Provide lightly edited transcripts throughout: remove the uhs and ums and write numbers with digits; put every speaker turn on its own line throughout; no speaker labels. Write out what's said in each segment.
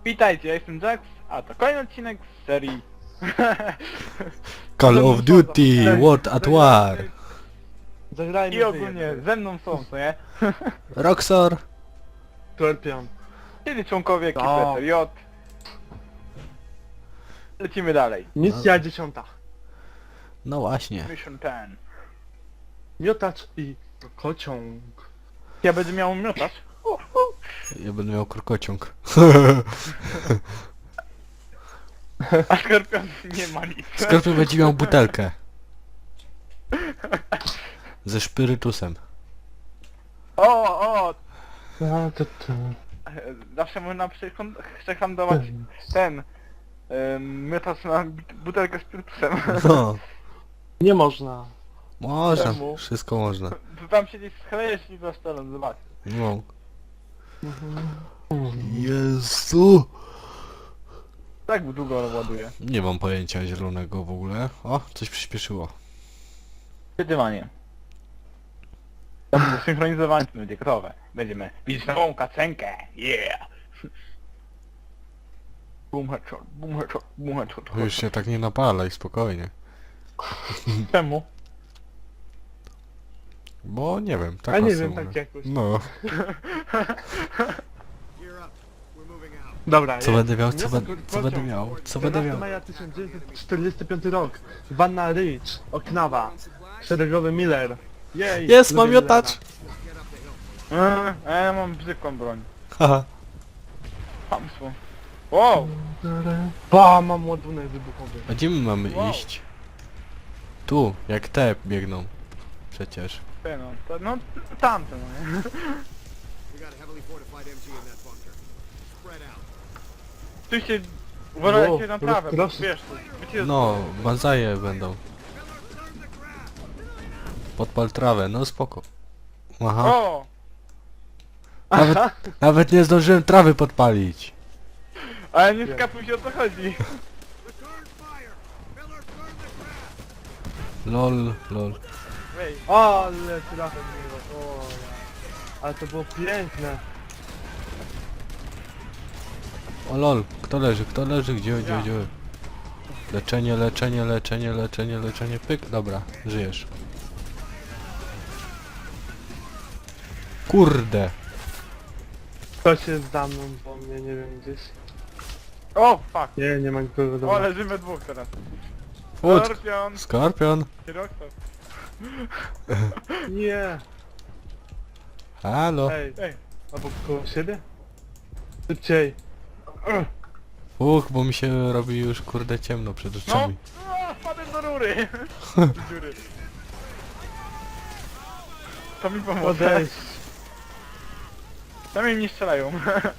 Witajcie, ja jestem Jax, a to kolejny odcinek z serii
Call of Duty, World at War.
Zagrajmy
i ogólnie ze mną są, co nie?
Roxor.
Skorpion.
Czyli członkowie ekipy
No.
SRJ. Lecimy dalej.
Misja 10.
No właśnie.
Mission 10.
Miotacz i kociąg.
Ja będę miał miotacz.
Ja będę miał krokociąg.
A Skorpion nie ma nic.
Skorpion będzie miał butelkę. Ze szpyrytusem.
O!
Ta.
Zawsze można przehandlować ten miotacz na butelkę z spirytusem.
No.
Nie można.
Można,
Czemu?
wszystko można.
To tam się gdzieś schlejesz i za stolem, zobacz.
No. Jezu.
Tak długo ładuje.
Nie mam pojęcia zielonego w ogóle. O, coś przyspieszyło.
Wydywanie. To będzie synchronizowanie, to będzie gotowe. Będziemy widzieć nową kacenkę. Yeah! Boom headshot, boom headshot, boom headshot.
Już się tak nie napalaj, spokojnie.
Czemu?
Bo nie wiem, tak
A nie
was
wiem,
mówię.
tak jakoś.
No.
Dobra,
Co
jest.
będę miał, co
Miotacz
będę,
i
co będę
kociąg.
miał, co będę
14
miał.
maja 1945 rok. Vanna Ridge, Okinawa. Szeregowy Miller. Jej.
Jest, mam
lubię
miotacz!
Ja mam brzydką broń.
Haha.
Hamstwo. Wow!
Millera. Ba, mam ładunek wybuchowy.
A gdzie my mamy
Wow.
iść? Tu, jak te biegną. Przecież.
Te no, no tamte no nie. Oczywiście uważajcie na trawę, bo
proszę.
wiesz, wiecie,
No, banzaje będą. Podpal trawę, no spoko. Aha.
O!
Nawet nie zdążyłem trawy podpalić.
Ale nie skapuj się o co chodzi.
Lol, lol.
Wej,
Ale trafem było. O, ja. Ale to było piękne.
O lol, kto leży, kto leży, gdzie,
Ja.
gdzie? Leczenie, leczenie, leczenie, leczenie, leczenie, pyk, dobra, żyjesz. Kurde.
Ktoś jest za mną, bo mnie nie wiem gdzieś.
o fuck.
Nie ma nikogo
O,
dobra.
leżymy dwóch teraz.
Fut.
Skorpion,
Skorpion.
Roxor.
Nie.
Halo.
Ej,
Ej,
albo koło siebie? Szybciej.
Bo mi się robi już kurde ciemno przed
no!
oczami.
O, wpadłem do rury. Do dziury. To mi pomoże.
Odejść.
Tam im nie strzelają.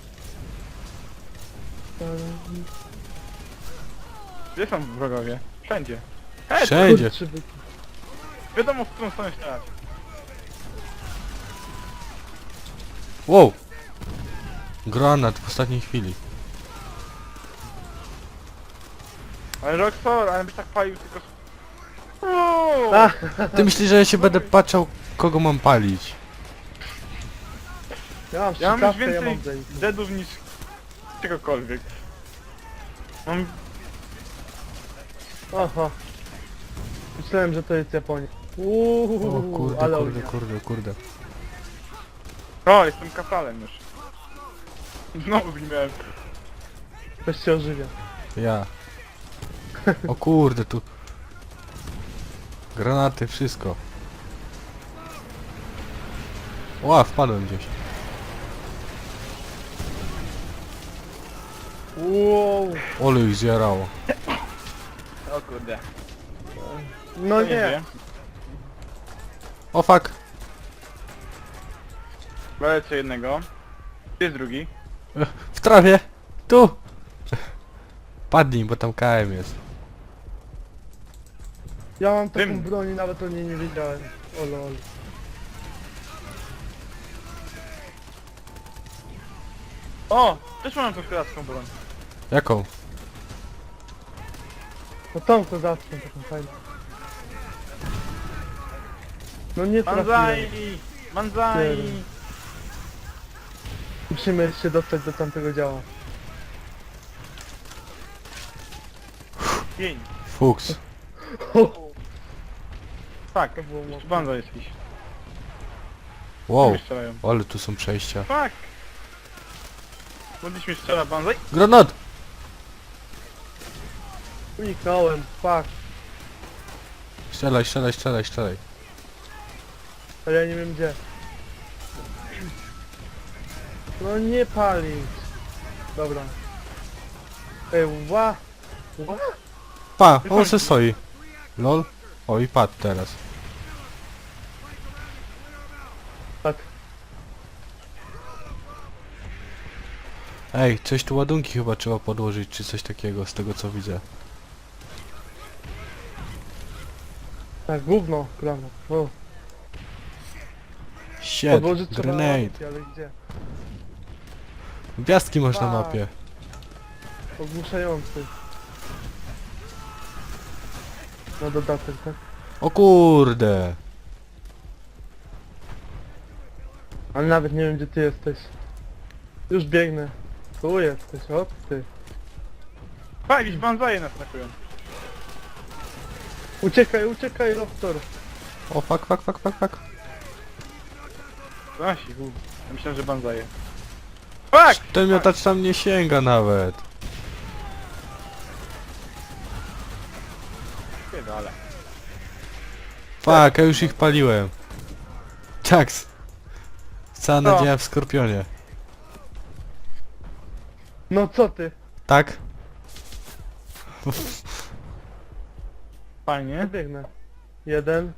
Gdzie są wrogowie? Wszędzie.
Wszędzie.
Kurczybyki.
Wiadomo w którą stronę strzelać.
Wow. Granat w ostatniej chwili.
Ale Roxor, ale byś tak palił tylko... Uuu.
A,
Ty myślisz, że ja się będę patrzał, kogo mam palić?
ja mam
Ja mam już
strzykawkę, ja mam
więcej
zejść.
deadów niż czegokolwiek. Mam...
Aha. Myślałem, że to jest Japonia.
O kurde,
ale
kurde,
ognia.
kurde, kurde.
O, jestem kafalem już. Znowu zginąłem.
Ktoś się ożywia.
Ja. O kurde, tu... Granaty, wszystko. Ła, wpadłem gdzieś.
Wow.
Ole ich zjarało.
O kurde.
No
To
nie.
wie.
O fuck.
Lecę jednego. Gdzie jest drugi?
W trawie. Tu. Padnij, bo tam KM jest.
Ja mam taką
Dym.
broń i nawet o niej nie wiedziałem. O lol.
O! Też mam tą piracką broń.
Jaką?
No tą kozacką taką fajną. No nie trafiłem.
Manzai! Manzai!
Musimy się dostać do tamtego działa.
Pień.
Fuks.
Tak,
To było
jeszcze
mocne.
banza jest jakiś.
Wow,
Mi strzelają.
ale tu są przejścia.
Fuck! Będziesz mi strzela banza i...
Granat!
Uniknąłem, fuck.
Strzelaj, strzelaj, strzelaj, strzelaj.
Ale ja nie wiem gdzie. No nie palić. Dobra. Ej, ła.
Pa, on se stoi. Lol. O i padł teraz.
Tak.
Ej, coś tu ładunki chyba trzeba podłożyć, czy coś takiego, z tego co widzę.
Tak, gówno, granat. O.
Shit,
Podłożyć trzeba
grenade.
ładunki, ale gdzie?
Gwiazdki masz na
Pa.
mapie.
Ogłuszający. Na dodatek, tak?
O kurde.
Ale nawet nie wiem gdzie ty jesteś. Już biegnę. Tu jesteś, o ty.
Pa, jakieś banzaje nas atakują.
Uciekaj, uciekaj, Raptor.
O fuck, fuck, fuck, fuck, fuck.
Nasi, ja myślałem, że banzaje. Fuck!
Ten miotacz tam nie sięga nawet.
Ale.
Fuck, ja już ich paliłem. Jax. Cała
Co?
nadzieja w Skorpionie.
No co ty?
Tak?
Fajnie.
Biegnę. Jeden.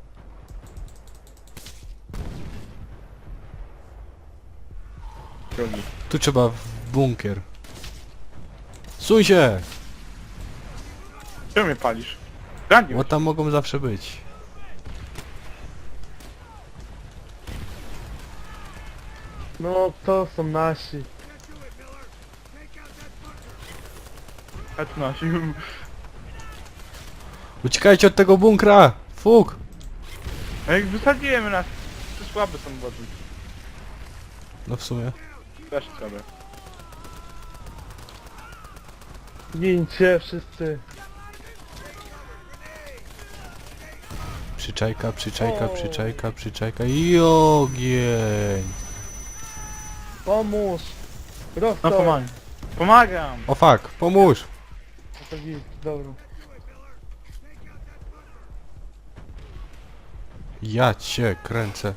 Drugi.
Tu trzeba w bunkier. Suń się!
Czemu mnie palisz? Randził.
Bo tam mogą zawsze być.
No to są nasi.
A tu nasi.
Uciekajcie od tego bunkra! Fuk!
A jak wysadziłem nas, to słabe są wody.
No w sumie.
Też słabe.
Gincie wszyscy.
Przyczajka, przyczajka,
O.
przyczajka, przyczajka i ogień!
Pomóż.
No
Raptor.
pomagam. Pomagam!
O fuck, pomóż!
No to git, dobra.
Ja cię kręcę.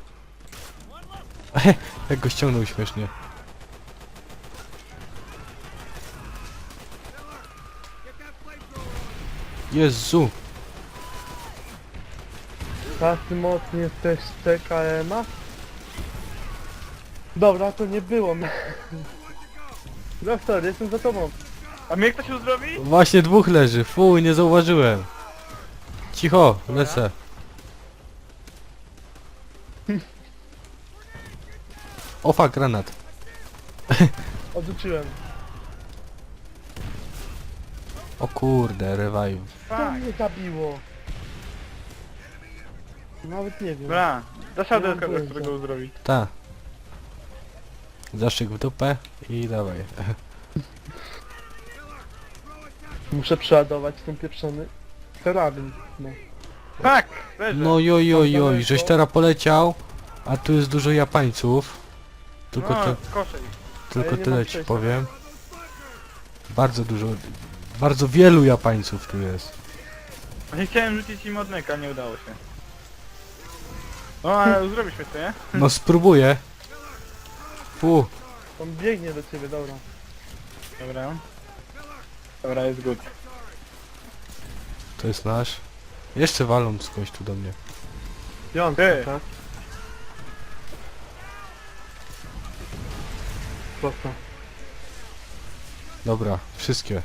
Jak go ściągnął śmiesznie. Jezu!
Tacy mocni jesteś z TKM-a? Dobra, to nie było mnie. Raptor, jestem za tobą.
A mnie ktoś uzdrowi?
Właśnie dwóch leży, fuj, nie zauważyłem. Cicho, lecę. O fuck, granat.
Odrzuciłem.
O kurde, revive.
Co
Tak.
mnie zabiło? Nawet nie wiem.
Dobra, dasz radę
Nie mam
kogoś,
pojęcia.
którego uzdrowi.
Ta. Zaszyk w dupę i dawaj.
Muszę przeładować ten pieprzony karabin. No.
Tak! Leżę.
No joj, joj, joj,
daleko.
żeś teraz poleciał, a tu jest dużo Japańców. Tylko,
no,
to,
koszej.
tylko
ja nie
tyle
mam
ci
przejścia.
powiem. Bardzo dużo, bardzo wielu Japańców tu jest.
Nie chciałem rzucić im odmyka, nie udało się. No ale uzdrowisz mnie, co nie?
No spróbuję. Fu,
On biegnie do ciebie, dobra.
Dobra. Dobra, jest good.
to jest nasz. Jeszcze walą skądś tu do mnie.
Piątka,
Ty.
tak? Spoko.
Dobra, wszystkie.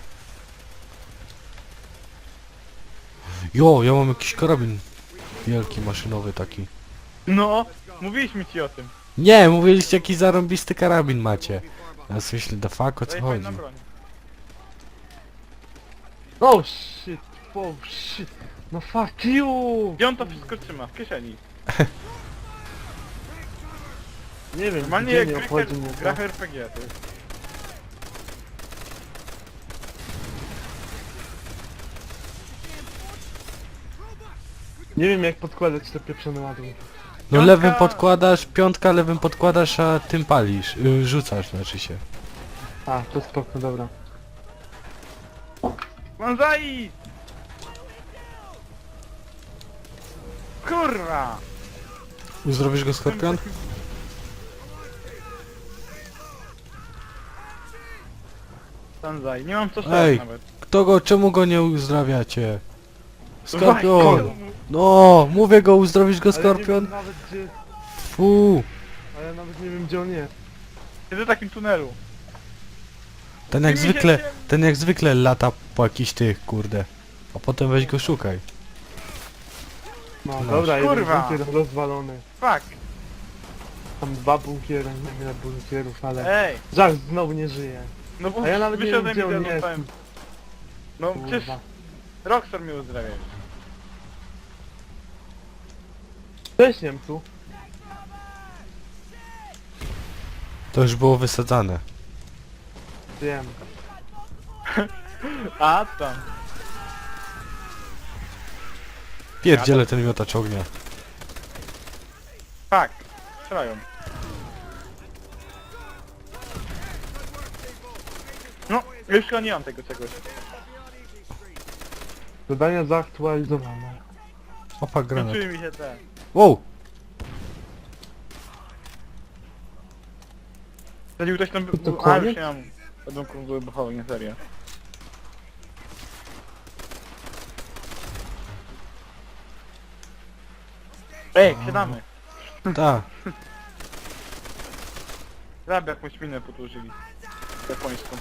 Jo, ja mam jakiś karabin. Wielki, maszynowy taki.
No, mówiliśmy ci o tym.
Nie, mówiliście jaki zarąbisty karabin macie. Ja sobie myślę, da fuck, o co
Daj
chodzi?
na broń.
Oh shit, oh shit. No fuck you!
Gdzie on to wszystko trzyma? W kieszeni.
Nie wiem,
Normalnie
gdzie
jak
nie obchodzi mnie
gra
to.
w RPG to jest.
Nie wiem jak podkładać te pieprzone ładunki.
No
Piątka!
lewym podkładasz, piątka lewym podkładasz, a tym palisz. Rzucasz, znaczy się.
A, to spoko, dobra.
Banzai! Kurwa!
Uzdrowisz go, Skorpion?
Banzai, nie mam co
Ej.
strzelać nawet.
Kto go, czemu go nie uzdrawiacie?
Właśnie,
Skorpion! No, mówię go, uzdrowisz go,
Ale nie
Skorpion?
wiem nawet gdzie...
Fu!
A ja nawet nie wiem gdzie on jest.
Siedzę w takim tunelu.
Ten jak
Ty mi się
zwykle,
nie-
ten jak zwykle lata po jakichś tych, kurde. A potem weź go szukaj.
No
Masz.
dobra, jeden
Kurwa.
bunkier rozwalony.
Fuck!
Tam 2 bunkiery, nie wiem bunkierów, ale...
Ej!
Żart znowu nie żyje.
No bo
A ja nawet nie wiem
wyszedłem
gdzie
i
on jest.
zostałem. No przecież
Kurwa.
Rockstar mnie uzdrawia.
Cześć Niemcu.
To już było wysadzane.
Wiem.
A tam.
Pierdziele ten miotacz ognia.
Fuck! Strzelają. No, już chyba nie mam tego czegoś.
Zadania zaktualizowane.
Opa, granat.
Skończyły mi się te.
Wow!
Zanim ktoś tam...
To
A
koniec?
już nie mam ładunków wybuchowych, nie serio. Ej, siadamy.
Ta.
Zabij jakąś minę podłożyli. Japońską.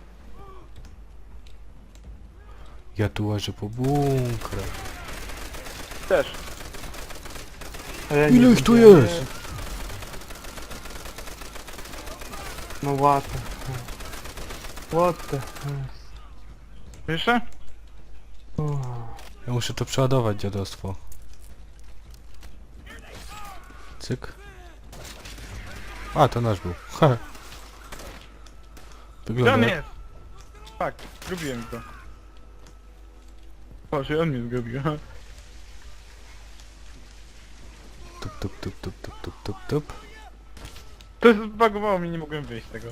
Ja tu łażę po bunkrach.
Też.
A ja
Ile
nie
ich
wiem,
tu
gdzie
jest?
No what the... What the...
Jeszcze?
Ja muszę to przeładować, dziadostwo. Cyk. A, to nasz był. Ha.
Gdzie on
Wygląda.
jest? Fuck, zgubiłem go. Boże, on mnie zgubił.
Tup, tup, tup, tup, tup, tup, tup, tup.
To zbagowało mnie, nie mogłem wyjść z tego.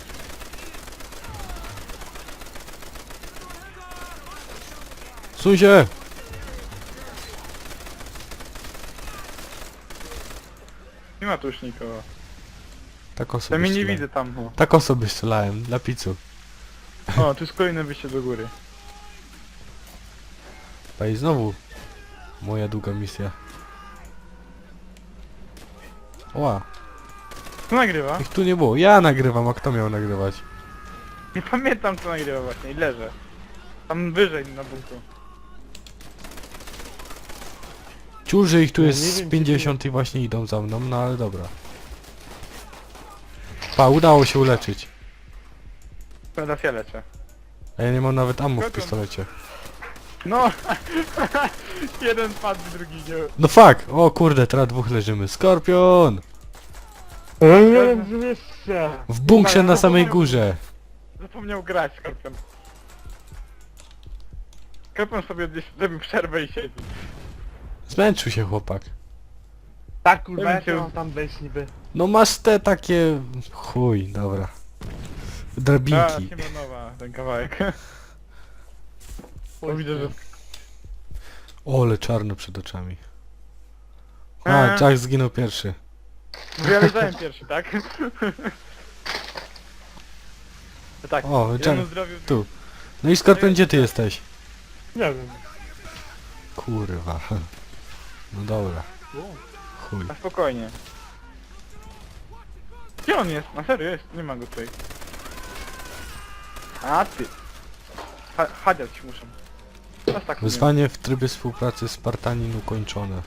Suń się!
Nie ma tu już nikogo.
Tak
Ja
osoby
mnie nie
strzelałem.
widzę tam. O,
Tak osoby strzelałem, dla picu.
o tu jest kolejne wyjście do góry.
A i znowu moja długa misja. Ła,
Kto nagrywa?
ich tu nie było. Ja nagrywam, a kto miał nagrywać?
Nie pamiętam kto nagrywa właśnie i leżę. Tam wyżej na bunku.
Ciul, że ich tu
Ja
jest
nie
z
wiem,
50 i właśnie idą za mną, no ale dobra. Pa, udało się uleczyć.
Teraz ja leczę.
A ja nie mam nawet ammo w
Kogo?
pistolecie.
No! Jeden padł, drugi nie.
No fuck! O kurde, teraz dwóch leżymy. Skorpion!
Ja nie wiem gdzie jeszcze.
W bunkrze na
Dobra,
samej
zapomniałem.
górze.
Zapomniał grać Skorpion. Skorpion sobie gdzieś zrobił przerwę i siedzi.
Zmęczył się chłopak.
Tak kurwa,
Ja
jak
bym
ja
cię-
mam tam wejść niby?
No masz te takie... Chuj, dobra. Drabinki.
A, nowa ten kawałek. Bo widzę, że...
Ole, czarno przed oczami. A,
Eee.
Jack zginął pierwszy.
Ja leżałem pierwszy, tak? No tak,
O,
jeden
Jack,
uzdrowił...
tu. No i Skorpion, gdzie ty jesteś?
Nie wiem.
Kurwa. No dobra. Chuj.
Na spokojnie. Gdzie on jest? Na serio jest, nie ma go tutaj. A ty. Hadziać muszę. Teraz tak
Wyzwanie w trybie współpracy Spartanin ukończone.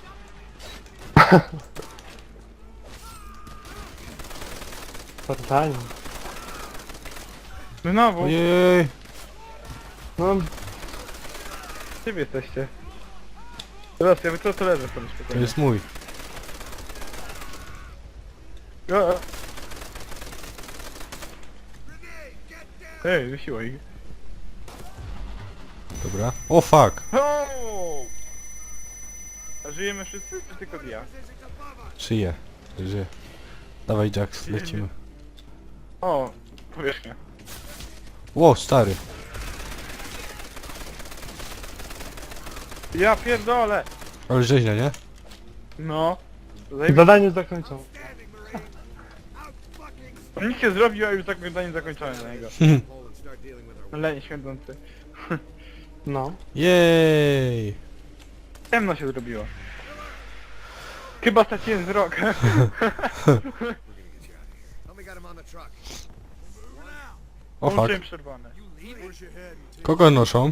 Spotkanie.
umiem. Znowu,
Ojej!
No,
gdzie wy jesteście? Teraz ja to leżę sobie
To
spokojnie.
jest mój.
Ja. Ej, wysiło ich.
Dobra. O fuck!
O! A żyjemy wszyscy, czy tylko Dia?
Żyje. Żyje. Dawaj Jax, lecimy.
O, powierzchnia.
Ło, stary.
Ja pierdolę!
Ale rzeźnia, nie?
No.
Zadanie zakończone.
Nic się zrobił, a już zadanie zakończone na niego. Leń świędzący.
No.
Jej!
Ciemno się zrobiło. Chyba straciłem wzrok.
O fuck.
Łączyłem przerwane.
Kogo noszą?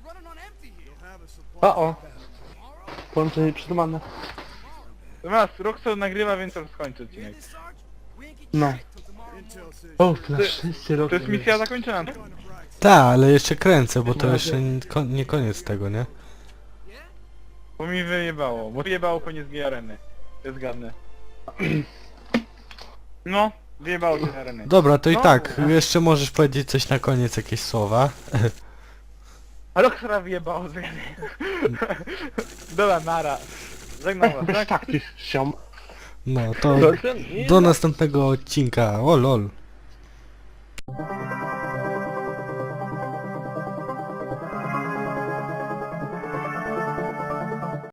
O. Połączenie przetrwane.
Natomiast Roxor nagrywa, więc on skończy odcinek.
No. O, na szczęście rok.
To jest misja zakończona.
Ta, ale jeszcze kręcę, bo to jeszcze nie koniec tego, nie?
Bo mi wyjebało. Bo wyjebało koniec tej areny. To zgadnę. No, wyjebało się z areny.
Dobra, to i
No.
tak, jeszcze możesz powiedzieć coś na koniec, jakieś słowa.
A Roxora wyjebało z areny. Dobra, nara. Żegnam was,
Bez
tak?
takich siom.
No to do następnego odcinka. O lol.